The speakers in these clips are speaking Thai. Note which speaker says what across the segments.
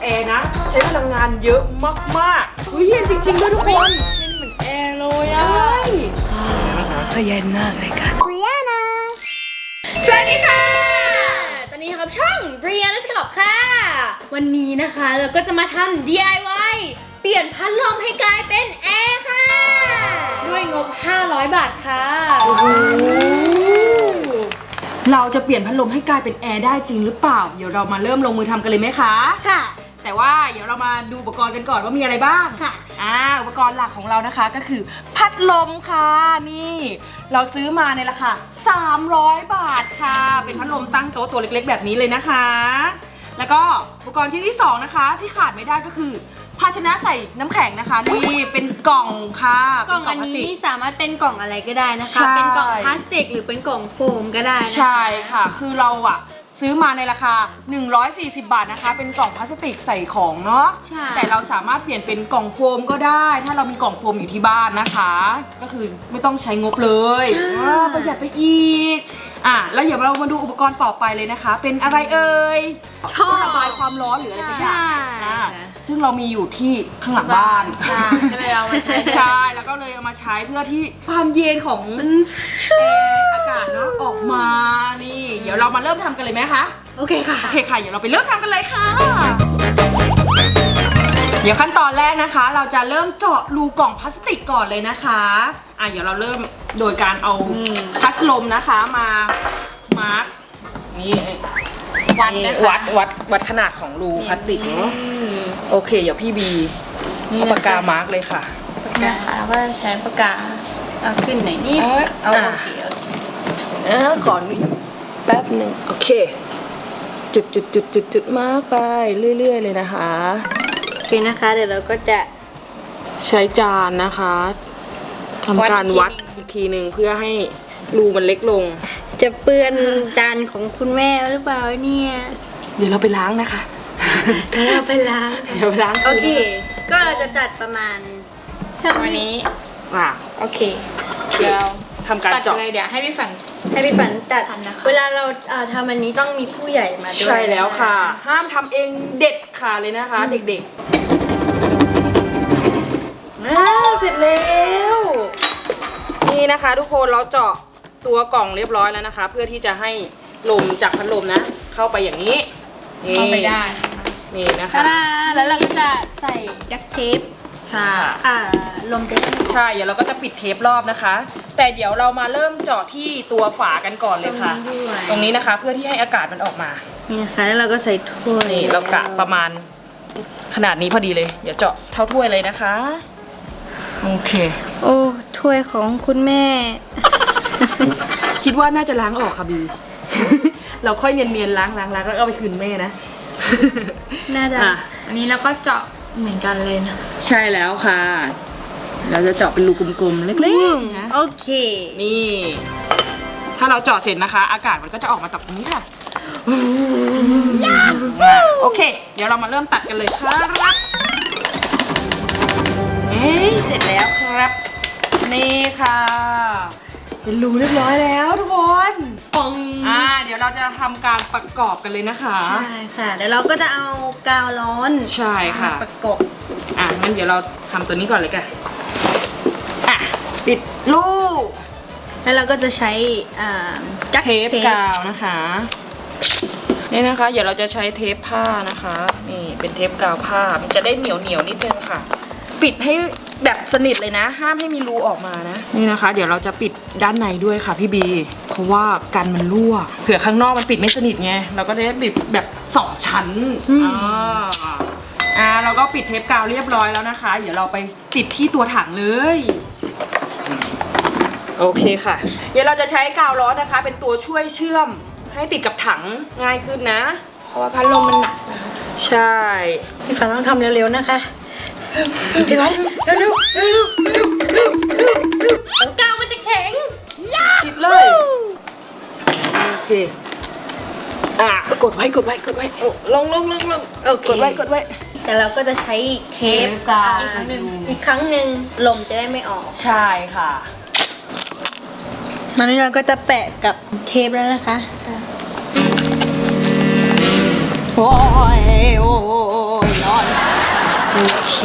Speaker 1: แอร์นะใช้พลังงานเยอะมากๆเย็นจริงๆด้วยทุกคนเย็นเหมือนแอร์เลยอ่ะก็เย็นมากเลยค่ะ
Speaker 2: สวัสดีค่ะ ตอนนี้ครับช่องเรียนและสกอบค่ะ วันนี้นะคะเราก็จะมาทำ DIY เปลี่ยนพัดลมให้กลายเป็นแอร์ค่ะ ด้วยงบ 500 บาทค่ะ
Speaker 1: เราจะเปลี่ยนพัดลมให้กลายเป็นแอร์ได้จริงหรือเปล่าเดี๋ยวเรามาเริ่มลงมือทำกันเลยไหมคะ
Speaker 2: ค่ะ
Speaker 1: แต่ว่าเดี๋ยวเรามาดูอุปกรณ์กันก่อนว่ามีอะไรบ้าง
Speaker 2: ค่ะ
Speaker 1: อุปกรณ์หลักของเรานะคะก็คือพัดลมค่ะนี่ เราซื้อมาในราคา300 บาทค่ะ เป็นพัดลมตั้งโต๊ะตัวเล็กๆแบบนี้เลยนะคะ แล้วก็อุปกรณ์ชิ้นที่2นะคะที่ขาดไม่ได้ก็คือภาชนะใส่น้ำแข็งนะคะนี่เป็นกล่องค่ะ
Speaker 2: กล่องอันนี้สามารถเป็นกล่องอะไรก็ได้นะคะ
Speaker 1: ใช่
Speaker 2: เป็นกล่องพลาสติกหรือเป็นกล่องโฟมก็ได้นะคะ
Speaker 1: ใช่ค่ะคือเราอะซื้อมาในราคา140 บาทนะคะเป็นกล่องพลาสติกใส่ของเนาะ
Speaker 2: ใช่
Speaker 1: แต่เราสามารถเปลี่ยนเป็นกล่องโฟมก็ได้ ถ้าเรามีกล่องโฟมอยู่ที่บ้านนะคะ ก็คือไม่ต้องใช้งบเลยประหยัดไปอีกแล้วเดี๋ยวเรามาดูอุปกรณ์ต่อไปเลยนะคะ เป็นอะไรเอ่ยท่อระบายความร้อนหรืออะไรสักอย่างซึ่งเรามีอยู่ที่ข้างหลังบ้าน
Speaker 2: ก็เลยเอามาใช้
Speaker 1: ใช่แล้วก็เลยเอามาใช้เพื่อที่ความเย็นของอากาศเนาะออกมานี่เดี๋ยวเรามาเริ่มทำกันเลยไหมคะ
Speaker 2: โอเคค่ะ
Speaker 1: โอเคค่ะเดี๋ยวเราไปเริ่มทำกันเลยค่ะ เดี๋ยวขั้นตอนแรกนะคะ เราจะเริ่มเจาะรูกล่องพลาสติกก่อนเลยนะคะเดี๋ยวเราเริ่มโดยการเอาพัดลมนะคะมามาร์กนี่วัดนะคะวัดขนาดของรูพลาสติกเนาะโอเคเดี๋ยวพี่บีเอาปากกามาร์กเลยค่ะ
Speaker 2: ปากกาแล้วก็ใช้ปากกาเอาขึ้นหน่อยนิดเอาโอเค
Speaker 1: ขอแป๊บหนึ่งโอเคจุดมาร์กไปเรื่อยๆเลยนะคะ
Speaker 2: โอเคนะคะเดี๋ยวเราก็จะ
Speaker 1: ใช้จานนะคะทำการวัดอีกทีหนึ่งเพื่อให้รูมันเล็กลง
Speaker 2: จะเปื้อนจานของคุณแม่หรือเปล่าเนี่ย
Speaker 1: เดี๋ยวเราไปล้างนะคะ
Speaker 2: เดี๋ยวเราไปล้าง
Speaker 1: เดี๋ยวไปล้าง
Speaker 2: โอเคก็เราจะตัดประมาณเท่านี้
Speaker 1: โอเค
Speaker 2: เดี๋ยว
Speaker 1: ทำการเจาะ
Speaker 2: เลยเดี๋ยวให้พี่ฝันตัดเวลาเราทำอันนี้ต้องมีผู้ใหญ่มาด้วย
Speaker 1: ใช่แล้วค่ะ ห้ามทำเองเด็ดขาดเลยนะคะ เด็กๆเสร็จแล้วนี่นะคะทุกคนเราเจาะตัวกล่องเรียบร้อยแล้วนะคะ เพื่อที่จะให้ลมจากพัดลมนะเข้าไปอย่างนี้เข้าไปได้นี่นะคะ
Speaker 2: แล้วเราก็จะใส่ดักเทป
Speaker 1: ใช่
Speaker 2: ลมจะได้ไม่
Speaker 1: ใช่เดี๋ยวเราก็จะปิดเทปรอบนะคะ แต่เดี๋ยวเรามาเริ่มเจาะที่ตัวฝากันก่อนเลยค่ะ ตรงนี้นะคะเพื่อที่ให้อากาศมันออกมา
Speaker 2: นี่นะคะแล้วเราก็ใส่ถ้วย
Speaker 1: นี่เรากะประมาณขนาดนี้พอดีเลยเดี๋ยวเจาะเท่าถ้วยเลยนะคะโอเค
Speaker 2: โอ้ถ้วยของคุณแม่
Speaker 1: คิดว่าน่าจะล้างออกค่ะบี เราค่อยเนียนๆล้างแล้วเอาไปคืนแม่นะ
Speaker 2: น่าจะ
Speaker 3: อันนี้เราก็เจาะเหมือนกันเลยนะ
Speaker 1: ใช่แล้วค่ะ เราจะเจาะเป็นรูกลมๆเล็กๆนะ
Speaker 2: โอเค
Speaker 1: นี่ ถ้าเราเจาะเสร็จนะคะ อากาศมันก็จะออกมาจากตรงนี้ค่ะโอเค เดี๋ยวเรามาเริ่มตัดกันเลยครับเสร็จแล้วครับ นี่ค่ะ เป็นรูเรียบร้อยแล้วทุกคน
Speaker 2: ปอง
Speaker 1: เดี๋ยวเราจะทำการประกอบกันเลยนะคะ
Speaker 2: ใช่ค่ะเดี๋ยวเราก็จะเอากาวร้อน
Speaker 1: ใช่ค่ะ
Speaker 2: ประกบ
Speaker 1: งั้นเดี๋ยวเราทำตัวนี้ก่อนเลยกันปิดรู
Speaker 2: แล้วเราก็จะใช้จัก
Speaker 1: เทปกาวนะคะนี่นะคะ เดี๋ยวเราจะใช้เทปผ้านะคะนี่เป็นเทปกาวผ้ามันจะได้เหนียวนิดนึงค่ะ ปิดให้แบบสนิทเลยนะ ห้ามให้มีรูออกมานะนี่นะคะ เดี๋ยวเราจะปิดด้านในด้วยค่ะพี่บีเพราะว่ากันมันรั่วเผื่อข้างนอกมันปิดไม่สนิทไงเราก็ได้ปิดแบบ2 ชั้นเราก็ปิดเทปกาวเรียบร้อยแล้วนะคะ เดี๋ยวเราไปติดที่ตัวถังเลยโอเคค่ะ เดี๋ยวเราจะใช้กาวร้อนนะคะ เป็นตัวช่วยเชื่อมให้ติดกับถังง่ายขึ้นนะ
Speaker 3: เพราะว่าพัดลมมันหนักนะคะ
Speaker 1: ใช่
Speaker 2: พี่ฝันต้องทำเร็วๆนะคะ
Speaker 1: พี่วันเร็ว
Speaker 2: กาวมันจะแข็ง
Speaker 1: ติดเลยโอเคกดไว้
Speaker 2: ลงโอเค
Speaker 1: กดไว้
Speaker 2: แต่เราก็จะใช้เทป
Speaker 1: กาว
Speaker 2: อีกครั้งหนึ่งลมจะได้ไม่ออก
Speaker 1: ใช่ค่ะ
Speaker 2: ตอนนี้เราก็จะแปะกับเทปแล้วนะคะโอ้ย
Speaker 1: โอเค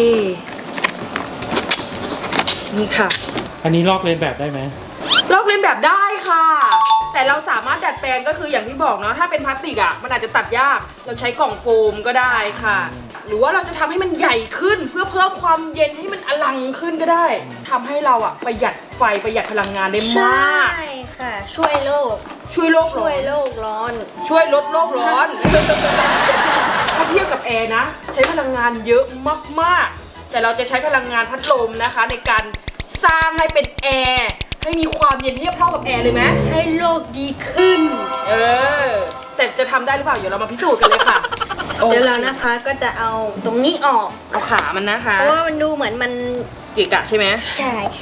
Speaker 1: นี่ค่ะ
Speaker 4: อันนี้ลอกเลียนแบบได้ไหม
Speaker 1: ลอกเลียนแบบได้ค่ะ แต่เราสามารถดัดแปลงก็คืออย่างที่บอกเนาะถ้าเป็นพลาสติกอ่ะมันอาจจะตัดยากเราใช้กล่องโฟมก็ได้ค่ะ หรือว่าเราจะทำให้มันใหญ่ขึ้นเพื่อเพิ่มความเย็นให้มันอลังขึ้นก็ได้ทำให้เราอ่ะประหยัดไฟประหยัดพลังงานได้
Speaker 2: ใช่
Speaker 1: มาก
Speaker 2: ค่ะ ช่วยโลก
Speaker 1: ช่วยโลกร้
Speaker 2: ช่
Speaker 1: อ
Speaker 2: วย
Speaker 1: น
Speaker 2: โลกร้อน
Speaker 1: ช่วยลดโลกร้อน ถ้าเทียบกับแอร์นะ ใช้พลังงานเยอะมากๆ แต่เราจะใช้พลังงานพัดลมนะคะ ในการสร้างให้เป็นแอร์ให้มีความเย็นเทียบเท่ากับแอร์เลยไหม
Speaker 2: ให้โลกดีขึ้น
Speaker 1: แต่จะทำได้หรือเปล่าเดี๋ยวเรามาพิสูจน์กันเลยค่ะ
Speaker 2: เดี๋ยวเรานะคะก็จะเอาตรงนี้ออก
Speaker 1: เอาขามันนะคะ
Speaker 2: เพราะว่ามันดูเหมือนมัน
Speaker 1: เกะกะใช่ไหม
Speaker 2: ใช่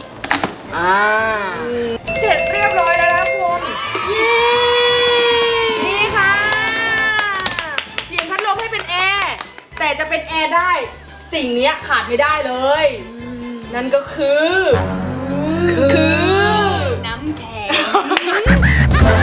Speaker 1: เสร็จเรียบร้อยแล้วนะคุณเย้นี่ค่ะเปลี่ยนพัดลมให้เป็นแอร์แต่จะเป็นแอร์ได้สิ่งเนี้ยขาดไม่ได้เลย นั่นก็คือ
Speaker 2: น้ำแข็ง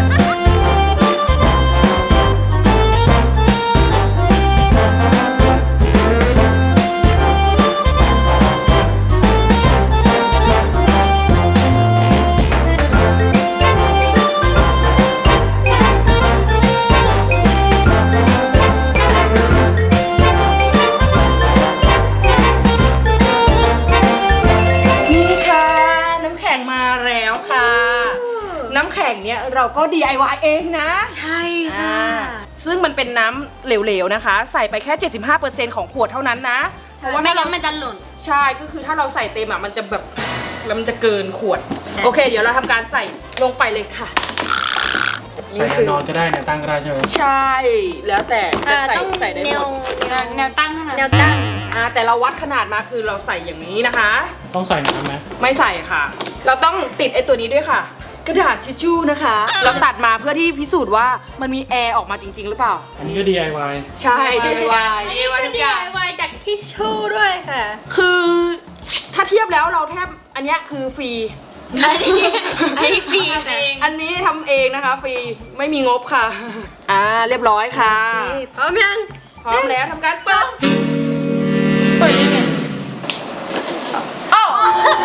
Speaker 1: นี่ค่ะน้ำแข็งมาแล้วค่ะ น้ำแข็งเนี้ยเราก็ DIY เองนะ
Speaker 2: ใช่ค่ะ
Speaker 1: ซึ่งมันเป็นน้ำเหลวๆนะคะ ใส่ไปแค่ 75%ของขวดเท่านั้นนะ เพราะว่า
Speaker 2: ไม่
Speaker 1: ถ้า
Speaker 2: งั้
Speaker 1: เรา
Speaker 2: นมันจะหล่น
Speaker 1: ใช่ก็คือถ้าเราใส่เต็มอ่ะมันจะแบบแล้วมันจะเกินขวด โอเค เดี๋ยวเราทำการใส่ลงไปเลยค่ะ
Speaker 4: ใส่แนวนอนก็ได้แนวตั้งก็ได้ใช่ไหม
Speaker 1: ใช่ แล้วแต่จะใส่
Speaker 2: ต้อง
Speaker 1: ใส่ได้
Speaker 2: แน
Speaker 1: หม
Speaker 2: ว
Speaker 1: ด
Speaker 2: แนวตั้งเท่านั้นแนวตั้ง
Speaker 1: แต่เราวัดขนาดมาคือเราใส่อย่างนี้นะคะ
Speaker 4: ต้องใส่น้ำไหม
Speaker 1: ไม่ใส่ค่ะ เราต้องติดไอ้ตัวนี้ด้วยค่ะ กระดาษทิชชู่นะคะ เราตัดมาเพื่อที่พิสูจน์ว่ามันมีแอร์ออกมาจริง ๆ หรือเปล่า
Speaker 4: อันนี้ก็ DIY
Speaker 1: ใช่ DIY
Speaker 2: อันนี้ก็ DIY จากทิชชู่ด้วยค่ะ
Speaker 1: คือถ้าเทียบแล้วเราแทบอันเนี้ยคือฟรี
Speaker 2: อันนี้ฟรีเอง
Speaker 1: อันนี้ทำเองนะคะฟรีไม่มีงบค่ะ เรียบร้อยค่ะ
Speaker 2: พร้อมยัง
Speaker 1: พร้อมแล้วทำการเปิด
Speaker 2: เปิดยังไง
Speaker 1: อ้าว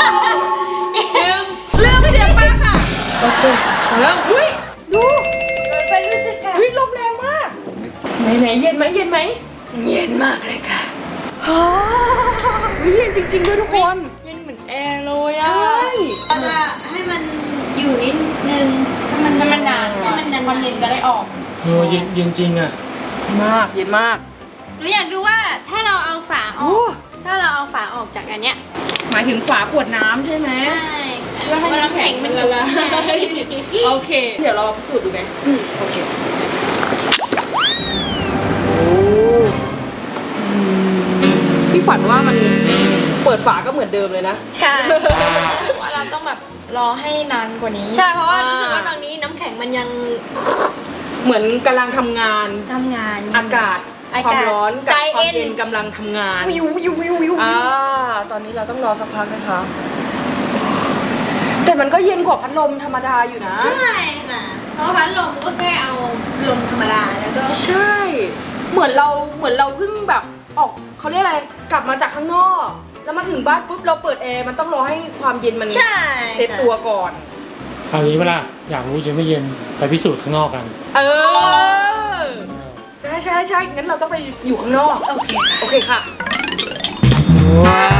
Speaker 1: เริ่มเสียงมาค่ะโอเคเริ่มเฮ้ยดู
Speaker 2: เป็นรู้สึกค่ะ
Speaker 1: เฮ้ยลมแรงมากไหนเย็นไหมเย็นไหม
Speaker 2: เย็นมากเลยค่ะ
Speaker 1: ฮ่าเย็นจริงๆด้วยทุกคน
Speaker 3: เย็นเหมือนแอร์เลย
Speaker 1: ใช่
Speaker 2: เราจะให้มันอยู่นิดนึงให้มันนานให้มันนานความเย็นก็ได้ออก
Speaker 4: เย็นจริงอ่ะ
Speaker 1: มากเย็นมาก
Speaker 2: หนูอยากดูว่าถ้าเราเอาฝาอ
Speaker 1: โอ้
Speaker 2: อก ถ้าเราเอาฝาออกจากอันเนี้ย
Speaker 1: หมายถึงฝาขวดน้ำใช่ไหม
Speaker 2: ใช่
Speaker 1: เพื่อให้น้ำแข็งมันละลายโอเค เดี๋ยวเราพิสูจน์ดูไหมโอเคพี่ฝันว่ามันเปิดฝาก็เหมือนเดิมเลยนะ
Speaker 2: ใช่
Speaker 3: ว่าเราต้องแบบรอให้นานกว่านี้
Speaker 2: ใช่เพราะว่ารู้สึกว่าตอนนี้น้ำแข็งมันยัง
Speaker 1: เหมือนกำลังทำงาน
Speaker 2: ทำงาน
Speaker 1: อากาศความร้อนกับความเย็นกำลังทำงาน
Speaker 2: วิววิววิววิว
Speaker 1: ตอนนี้เราต้องรอสักพักนะคะ แต่มันก็เย็นกว่าพัดลมธรรมดาอยู่นะ
Speaker 2: ใช่ค่ะเพราะพัดลมก็แค่เอาลมธรรมดาแล้วก็
Speaker 1: ใช่ เหมือนเราเพิ่งแบบออกเขาเรียกอะไรกลับมาจากข้างนอก แล้วมาถึงบ้านปุ๊บเราเปิดแอร์มันต้องรอให้ความเย็นมัน
Speaker 2: ใช่
Speaker 1: เซ็ตตัวก่อน
Speaker 4: คราวนี้เวลาอยากรู้จะไม่เย็นไปพิสูจน์ข้างนอกกัน
Speaker 1: ใช่งั้นเราต้องไปอยู่ข้างนอกโอเคค่ะว้าว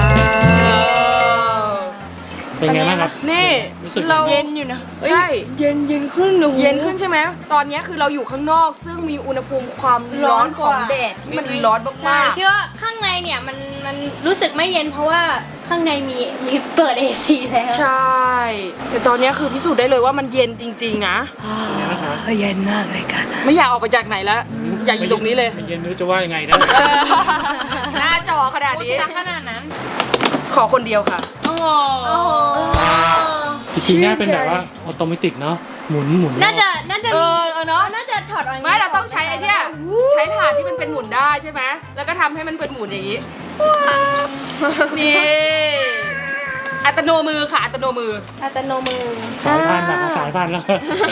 Speaker 4: เป็นไงบ้างครับ
Speaker 1: นี่
Speaker 4: รู้สึก
Speaker 1: เรา
Speaker 3: เย็นอยู่นะ
Speaker 1: ใช่
Speaker 3: เย็นขึ้นหนู
Speaker 1: เย็นขึ้นใช่ไหมตอนนี้คือเราอยู่ข้างนอก ซึ่งมีอุณหภูมิความร้อนของแดดที่มันร้อนมาก
Speaker 2: คิดว่าข้างในเนี่ยมันรู้สึกไม่เย็นเพราะว่าข้างในมีเปิด AC แล้ว
Speaker 1: ๆใช่แต่ตอนนี้คือพิสูจน์ได้เลยว่ามันเย็นจริงๆนะ
Speaker 4: เป็นไงบ้างครับ
Speaker 3: เย็นมากเลยค่ะ
Speaker 1: ไม่อยากออกไปจากไหนแล้วอยากอยู่ตรงนี้เลย
Speaker 4: ไม่เย็นไม่รู้จะว่ายังไงนะ
Speaker 1: หน้าจอขนาดนี้
Speaker 3: จะขนาดนั้น
Speaker 1: ขอคนเดียวค่ะ
Speaker 3: โอ้โห
Speaker 2: โอ้โห
Speaker 4: จริงๆน่าเป็นแบบว่าออโตเมติกเนาะหมุน
Speaker 2: น่าจะมี
Speaker 1: เนาะ
Speaker 2: น่าจะถอดออก
Speaker 1: ไม่เราต้องใช้ไอ้เนี่ยใช้ถาดที่มันเป็นหมุนได้ใช่ไหมแล้วก็ทำให้มันเป็นหมุนอย่างนี้นี่อัตโนมือค่ะอัตโนมือ
Speaker 2: อัตโนมือ
Speaker 4: สายพันธุ์แบบสายพันธุ์แล้ว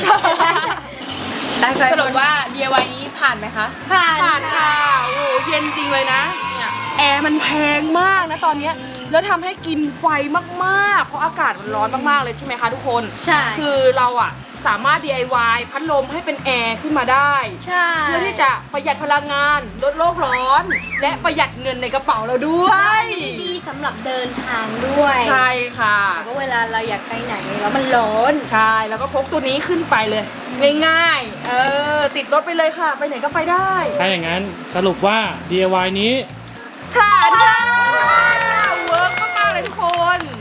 Speaker 3: ตั้งใจสรุปว่า DIY นี้ผ่านไหมคะ
Speaker 2: ผ่าน
Speaker 1: ผ่านค่ะโอ้โหเย็นจริงเลยนะเนี่ย
Speaker 2: แอ
Speaker 1: แอร์มันแพงมากนะตอนเนี้ยแล้วทำให้กินไฟมากๆเพราะอากาศมันร้อนมากๆเลยใช่ไหมคะทุกคน
Speaker 2: ใช่
Speaker 1: คือเราอะสามารถ DIY พัดลมให้เป็นแอร์ขึ้นมาได้
Speaker 2: ใช่
Speaker 1: เพื่อที่จะประหยัดพลังงานลดโลกร้อน และประหยัดเงินในกระเป๋าเราด้วย
Speaker 2: ดีสำหรับเดินทางด้วย
Speaker 1: ใช่ค่ะ
Speaker 2: แต่ว่าเวลาเราอยากไปไหนแล้วมันร้อน
Speaker 1: ใช่ แล้วก็พกตัวนี้ขึ้นไปเลย ง่ายๆ ติดรถไปเลยค่ะ ไปไหนก็ไปได้
Speaker 4: ถ้าอย่างนั้นสรุปว่า DIY นี้
Speaker 1: ผ่านค่ะเวิร์กมากๆเลยทุกคน